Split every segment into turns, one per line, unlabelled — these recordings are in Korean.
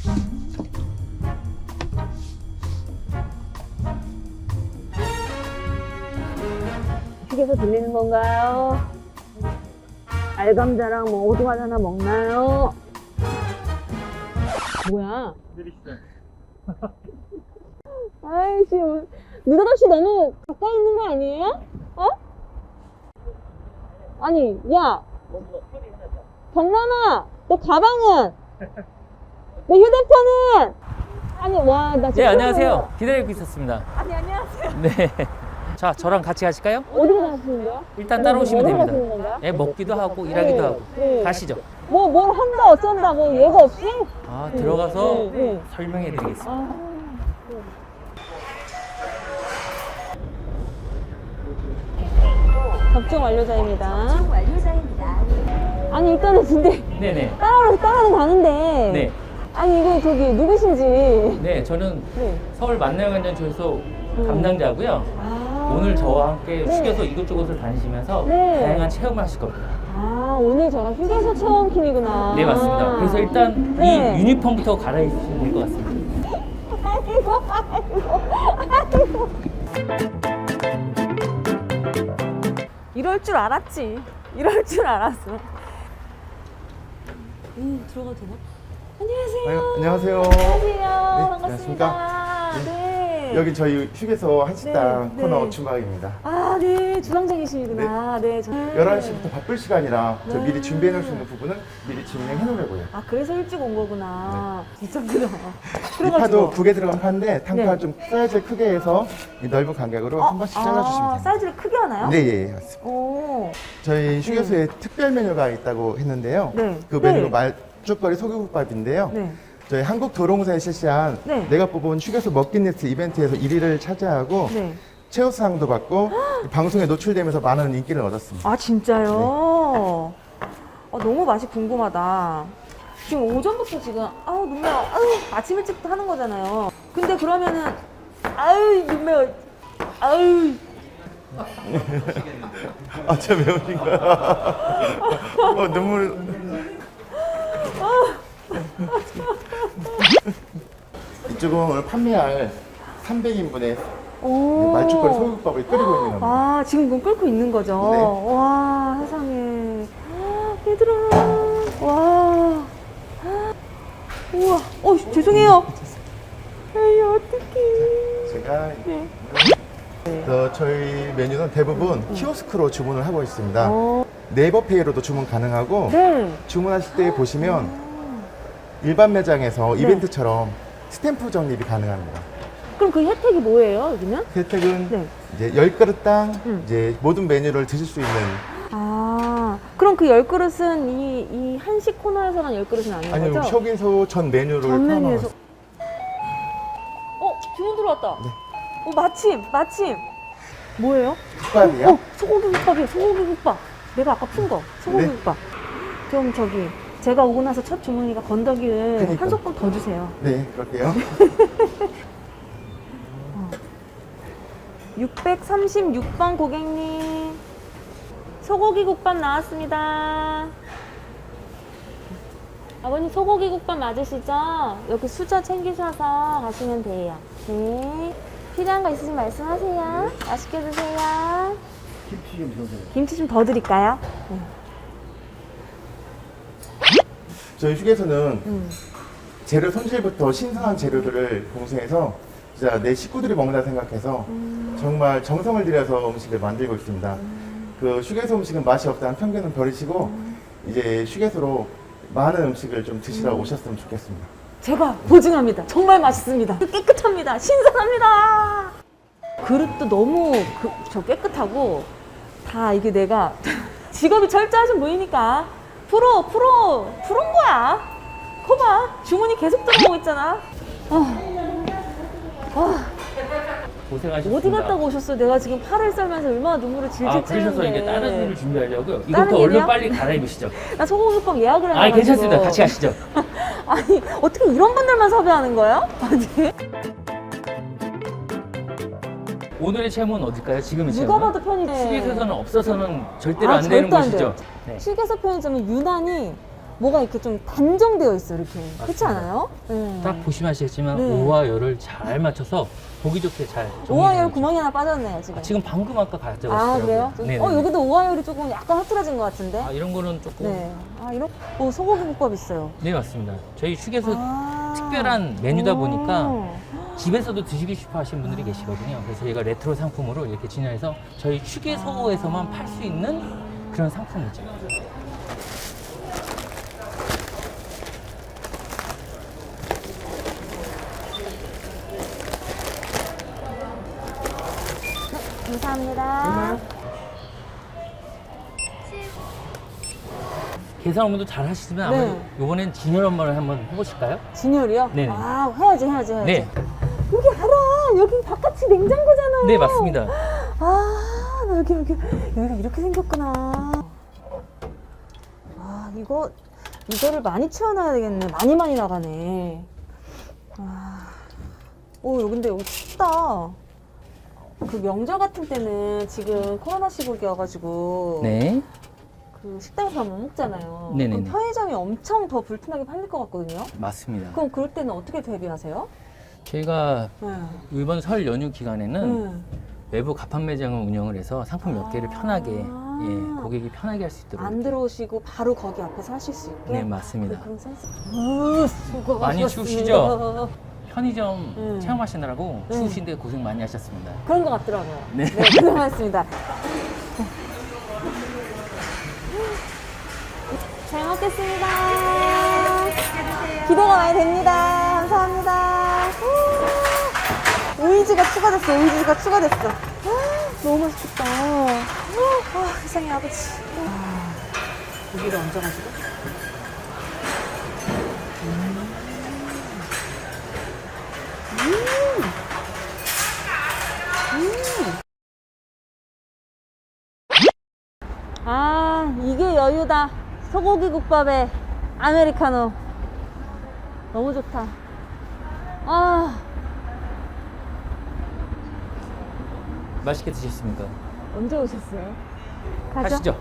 휴게소 들리는 건가요? 알감자랑 뭐 오징어 하나 먹나요? 뭐야? 아이씨, 느닷없이 너무 가까이 있는 거 아니에요? 어? 아니, 야! 정남아! 너 가방은? 내 휴대폰은? 아니, 와, 나 지금.
네, 안녕하세요. 기다리고 있었습니다.
아니, 안녕하세요.
네. 자, 저랑 같이 가실까요?
어디로 가시는 거야?
일단 따라오시면
어디로
됩니다.
가시는 건가요?
네, 먹기도 하고 일하기도 하고.
네.
가시죠.
뭘 한다, 어쩐다, 뭐, 예가 없이?
아, 들어가서
네.
설명해 드리겠습니다.
아. 접종 완료자입니다. 아니, 일단은 근데
네네.
따라는 가는데.
네.
아니, 이거 저기 누구신지.
네, 저는
네.
서울 만나요관전초소 담당자고요.
아.
오늘 저와 함께
네.
휴게소 이곳저곳을 다니시면서
네.
다양한 체험을 하실 겁니다.
아, 오늘 제가 휴게소 체험팀이구나.
네, 맞습니다. 그래서 일단
네.
이 유니폼부터 갈아입으시면 될 것 같습니다.
아이고. 이럴 줄 알았지. 이럴 줄 알았어. 들어가도 되나? 안녕하세요.
안녕하세요.
안녕하세요.
안녕하십니까?
반갑습니다. 네.
여기 저희 휴게소 한식당
네,
코너
네.
주방입니다.
아, 네. 주방장이시구나. 네.
11시부터 바쁠 시간이라 저
네.
미리 준비해 놓을 수 있는 부분은 미리 진행해 놓으려고요.
아, 그래서 일찍 온 거구나. 진짜 크다.
이 파도 9개 들어간 파인데 탕파
네.
좀 사이즈 크게 해서 이 넓은 간격으로 한 번씩 잘라주시면 됩니다.
사이즈를 크게 하나요?
네, 예, 맞습니다.
오.
저희 휴게소에 특별 메뉴가 있다고 했는데요.
네.
그 메뉴가
네.
말죽거리 소고기국밥인데요.
네.
저희 한국도로공사에 실시한
네.
내가 뽑은 휴게소 먹기리스트 이벤트에서 1위를 차지하고
네.
최우수상도 받고 방송에 노출되면서 많은 인기를 얻었습니다.
아, 진짜요? 너무 맛이 궁금하다. 지금 오전부터 지금, 아우, 눈 매워. 아우, 아침 일찍부터 하는 거잖아요. 근데 그러면은, 아우, 눈 매워. 아우.
아, 진짜 매우신가요? 눈물. 이쪽은 오늘 판매할 300인분의
오.
말죽거리 소고기국밥을 끓이고 있는 겁니다.
아, 지금 그건 끓고 있는 거죠?
네.
와, 세상에. 얘들아. 와. 우와. 죄송해요. 에이, 어떡해.
제가
네.
저희 메뉴는 대부분 키오스크로 주문을 하고 있습니다.
어.
네이버페이로도 주문 가능하고
네.
주문하실 때 보시면 일반 매장에서 이벤트처럼 스탬프 적립이 가능합니다.
그럼 그 혜택이 뭐예요, 여기는?
혜택은
네.
이제 10그릇당 이제 모든 메뉴를 드실 수 있는.
아, 그럼 그 10그릇은 이 한식 코너에서만 10그릇은 아닌
아니요,
거죠?
휴게소 전 메뉴를
전 메뉴에서.
포함하고
주문 들어왔다.
네.
마침. 뭐예요?
국밥이요?
소고기국밥이에요, 소고기국밥. 내가 아까 푼 거, 소고기국밥. 좀 저기, 제가 오고 나서 첫 주문이니까 건더기를
그러니까.
한 소끔 더 주세요.
네, 그럴게요.
636번 고객님. 소고기국밥 나왔습니다. 아버님 소고기국밥 맞으시죠? 여기 수저 챙기셔서 가시면 돼요. 네. 필요한 거 있으시면 말씀하세요. 맛있게 드세요. 김치 좀 더 드릴까요? 네.
저희 휴게소는 재료 손질부터 신선한 재료들을 공수해서 진짜 내 식구들이 먹는다 생각해서 정말 정성을 들여서 음식을 만들고 있습니다. 그 휴게소 음식은 맛이 없다는 편견은 버리시고 이제 휴게소로 많은 음식을 좀 드시러 오셨으면 좋겠습니다.
제가 보증합니다. 정말 맛있습니다. 깨끗합니다. 신선합니다. 그릇도 너무 깨끗하고 다 이게 내가 직업이 철저하신 분이니까 프로인 거야. 거봐, 주문이 계속 들어오고 있잖아.
고생하셨습니다.
어디 갔다 오셨어? 내가 지금 팔을 썰면서 얼마나 눈물을 질질
아, 그러셔서
찌는데.
이게 다른 일을 준비하려고요.
다른
이것부터 얼른
일이요?
빨리 갈아입으시죠.
나 소고기국밥 예약을 해가지고.
아, 괜찮습니다. 같이 가시죠.
아니, 어떻게 이런 분들만 섭외하는 거예요? 아니.
오늘의 체험은 어딜까요? 지금의
누가
체험은?
봐도 편의점.
휴게소에서는 없어서는 절대로
아,
안 되는
절대 안
곳이죠.
돼요.
네.
휴게소 편의점은 유난히 뭐가 이렇게 좀 단정되어 있어 이렇게. 그렇지
맞습니다.
않아요? 네.
딱 보시면 아시겠지만
네.
오와 열을 잘 맞춰서 보기 좋게 잘
오하열
정리되어
구멍이 하나 빠졌네요 지금.
있죠. 지금 방금 아까 가져갔어요.
아 그래요?
네.
여기도 오하열이 조금 약간 흐트러진 것 같은데.
아, 이런 거는 조금
네. 아 이런 소고기 국밥 있어요.
네, 맞습니다. 저희 휴게소
아.
특별한 메뉴다 보니까
오.
집에서도 드시고 싶어 하시는 분들이 계시거든요. 그래서 저희가 레트로 상품으로 이렇게 진열해서 저희 휴게소에서만 팔 수 있는 그런 상품이죠.
감사합니다.
계산 업무도 잘 하시지만
네.
아마 이번엔 진열 업무를 한번 해보실까요?
진열이요?
네.
아 해야지.
네.
여기 알아. 여기 바깥이 냉장고잖아요.
네, 맞습니다.
아, 나 여기가 이렇게 생겼구나. 아, 이거를 많이 채워놔야 되겠네. 많이 나가네. 아, 근데 여기 춥다. 그 명절 같은 때는 지금 코로나 시국이어가지고
네.
그 식당에서 못 먹잖아요.
네네네.
그럼 편의점이 엄청 더 불편하게 팔릴 것 같거든요.
맞습니다.
그럼 그럴 때는 어떻게 대비하세요?
저희가
네.
이번 설 연휴 기간에는
네.
외부 가판 매장을 운영을 해서 상품 몇 개를 편하게 고객이 편하게 할 수 있도록
안 들어오시고 바로 거기 앞에서 하실 수 있게?
네, 맞습니다.
그런 센스. 수고하셨습니다.
많이 추우시죠? 편의점
네.
체험하시느라고
네.
추우신데 고생 많이 하셨습니다.
그런 것 같더라고요.
네.
고생하셨습니다. 잘 먹겠습니다. 기대가 많이 됩니다. 감사합니다. 오이지가 추가됐어. 너무 맛있겠다. 세상에 아버지. 고기를 얹어가지고. 아, 이게 여유다. 소고기 국밥에 아메리카노. 너무 좋다. 아,
맛있게 드셨습니까?
언제 오셨어요? 가죠?
가시죠.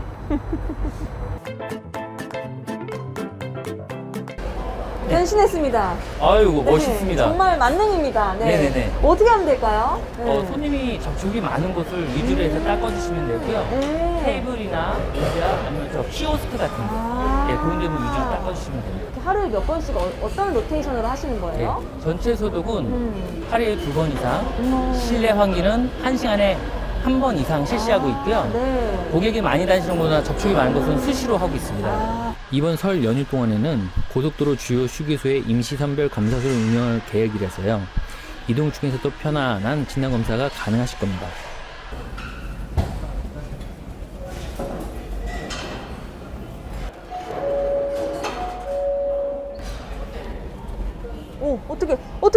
변신했습니다.
아이고
네,
멋있습니다.
정말 만능입니다. 네.
네네네.
어떻게 하면 될까요? 네.
손님이 접촉이 많은 곳을 위주로 해서 닦아주시면 되고요.
네.
테이블이나 의자 아니면 저 키오스크 같은 거,
아.
예, 그런 데는 위주로 닦아주시면 됩니다.
이렇게 하루에 몇 번씩 어떤 로테이션으로 하시는 거예요?
예, 전체 소독은 하루에 2번 이상,
음.
실내 환기는 1시간에 1번 이상 실시하고 있고요.
네.
고객이 많이 다니시는 곳이나 접촉이 많은 곳은 수시로 하고 있습니다.
아.
이번 설 연휴 동안에는 고속도로 주요 휴게소에 임시선별 검사소를 운영할 계획이라서요. 이동 중에서도 편안한 진단검사가 가능하실 겁니다.
오, 어떻게.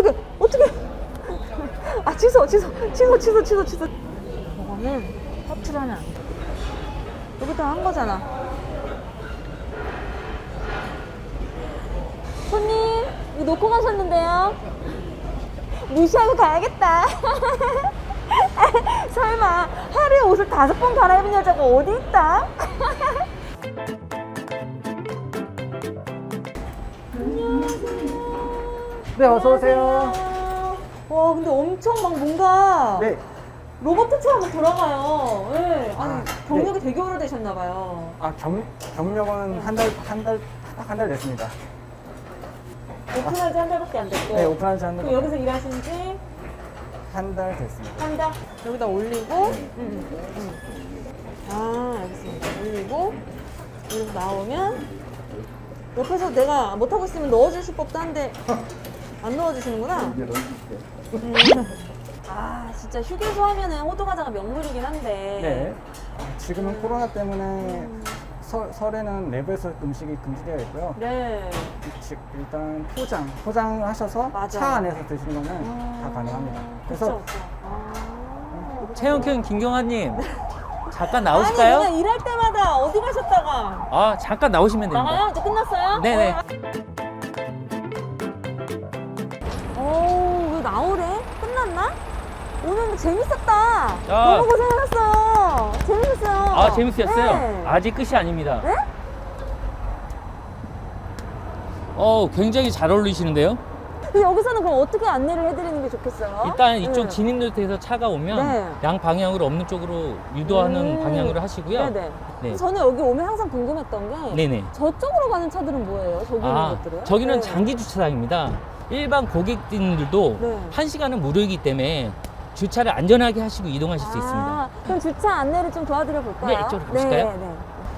아, 취소. 저거는 허투루 하면 안 돼. 여기다 한 거잖아. 손님, 이거 놓고 가셨는데요? 무시하고 가야겠다. 설마, 하루에 옷을 5번 갈아입은 여자가 어디 있다?
네, 어서오세요.
와, 근데 엄청 막 뭔가
네.
로봇처럼 막 돌아가요. 네. 아니,
아,
경력이 되게 오래되셨나봐요.
경력은 딱 한 달 됐습니다.
오픈한 지 한 달밖에 안 됐고.
네, 오픈한 지 한
그럼
달.
여기서 일하신 지
한 달 됐습니다.
한 달? 여기다 올리고. 아, 알겠습니다. 올리고. 여기서 나오면. 옆에서 내가 못하고 있으면 넣어주실 법도 한데, 안 넣어주시는구나. 아, 진짜 휴게소 하면은 호두과자가 명물이긴 한데.
네. 지금은 코로나 때문에 설에는 내부에서 음식이 금지되어 있고요.
네.
일단 포장하셔서
맞아.
차 안에서 드시는 거는 다 가능합니다. 그래서
그쵸. 아.
채영형 김경아님, 잠깐
아니,
나오실까요?
그냥 일할 때마다 어디 가셨다가.
아, 잠깐 나오시면 됩니다.
나가요? 이제 끝났어요?
네네.
오, 왜 나오래? 끝났나? 오늘 뭐 재밌었다.
아.
너무 고생하셨어요. 재밌었어요.
아, 재밌으셨어요?
네.
아직 끝이 아닙니다.
네?
굉장히 잘 어울리시는데요?
근데 여기서는 그럼 어떻게 안내를 해드리는 게 좋겠어요?
일단 이쪽
네.
진입로드에서 차가 오면
네.
양 방향으로 없는 쪽으로 유도하는 방향으로 하시고요.
네네.
네.
저는 여기 오면 항상 궁금했던 게
네네.
저쪽으로 가는 차들은 뭐예요? 저기 있는 것들은?
저기는
네.
장기 주차장입니다. 일반 고객님들도
네.
1시간은 무료이기 때문에 주차를 안전하게 하시고 이동하실 수 있습니다.
그럼 주차 안내를 좀 도와드려 볼까요?
네, 이쪽으로 가실까요?
네.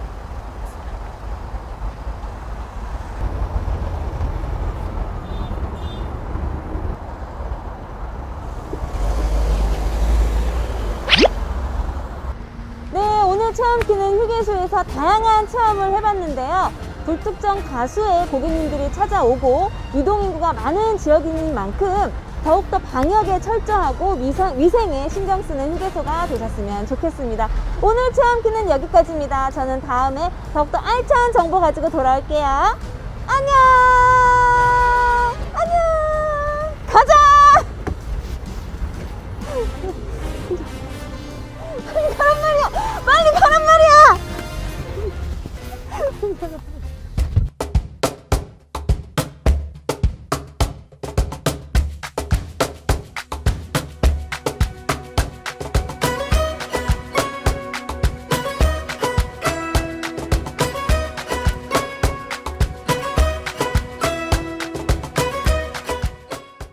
네, 오늘 체험키는 휴게소에서 다양한 체험을 해봤는데요. 불특정 다수의 고객님들이 찾아오고 유동인구가 많은 지역인 만큼 더욱더 방역에 철저하고 위생에 신경 쓰는 휴게소가 되셨으면 좋겠습니다. 오늘 체험키는 여기까지입니다. 저는 다음에 더욱더 알찬 정보 가지고 돌아올게요. 안녕! 안녕! 가자! 빨리 가란 말이야! 빨리 가란 말이야!